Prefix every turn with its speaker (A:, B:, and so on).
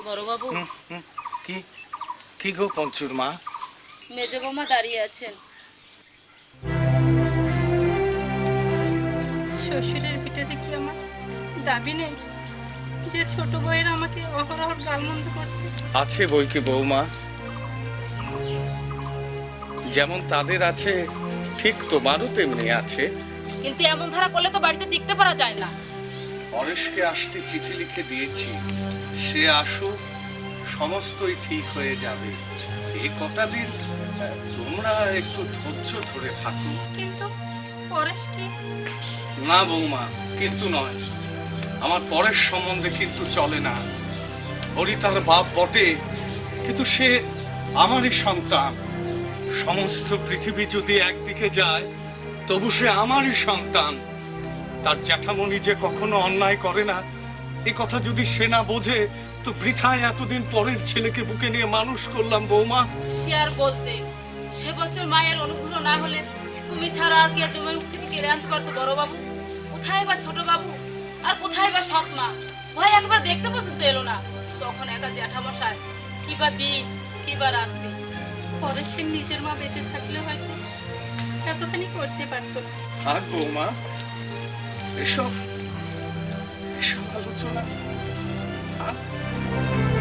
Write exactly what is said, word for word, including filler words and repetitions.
A: বড় বাবু,
B: কি কি গো পঞ্চুর মা?
A: মেজ বৌমা দাঁড়িয়ে আছেন।
C: শ্বশুরের ভিটেতে কি আমার দাবি নেই যে ছোট বউয়ের আমাকে অহরহ গালমন্দ করছে?
B: আছে বই কি বৌমা, যেমন তাদের আছে ঠিক তোমারও তেমনি আছে।
A: কিন্তু এমন ধারা করলে তো বাড়িতে টিকতে পারা যায় না।
B: পরেশকে আসতে চিঠি লিখে দিয়েছি, সে আসুক, সমস্তই ঠিক হয়ে যাবে। এই কটা দিন আহ, তোমরা একটু ধৈর্য ধরে থাকো।
C: কিন্তু পরেশ কি?
B: না বৌমা, কিন্তু নয়। আমার পরেশ সম্বন্ধে কিন্তু চলে না। হরি তার বাপ বটে, কিন্তু সে আমারই সন্তান। সমস্ত পৃথিবী যদি একদিকে যায়, তবু সে আমারই সন্তান। তার জ্যাঠামণি যে কখনো অন্যায় করে না, এ কথা যদি সে না বোঝে, তো বৃথায় এতদিন পরের ছেলেকে বুকে নিয়ে মানুষ করলাম বৌমা।
A: সে আর বলতে, সে বছর মায়ের অনুগ্রহ না হলে তুমি ছাড়া আর কে জমির মুখ থেকে কেড়ে আনতে পারতো বড় বাবু? কোথায় বা ছোট বাবু, আর কোথায় বা সৎ মা? ভয় একবার দেখতে পর্যন্ত এলো না। তখন একা জ্যাঠামশাই, কি বা দিন কি বা রাত্রি।
C: পরেশের নিজের মা বেঁচে থাকলে হয়তো এতখানি করতে পারতো না।
B: থাক বৌমা, এসব এসব আলোচনা থাক।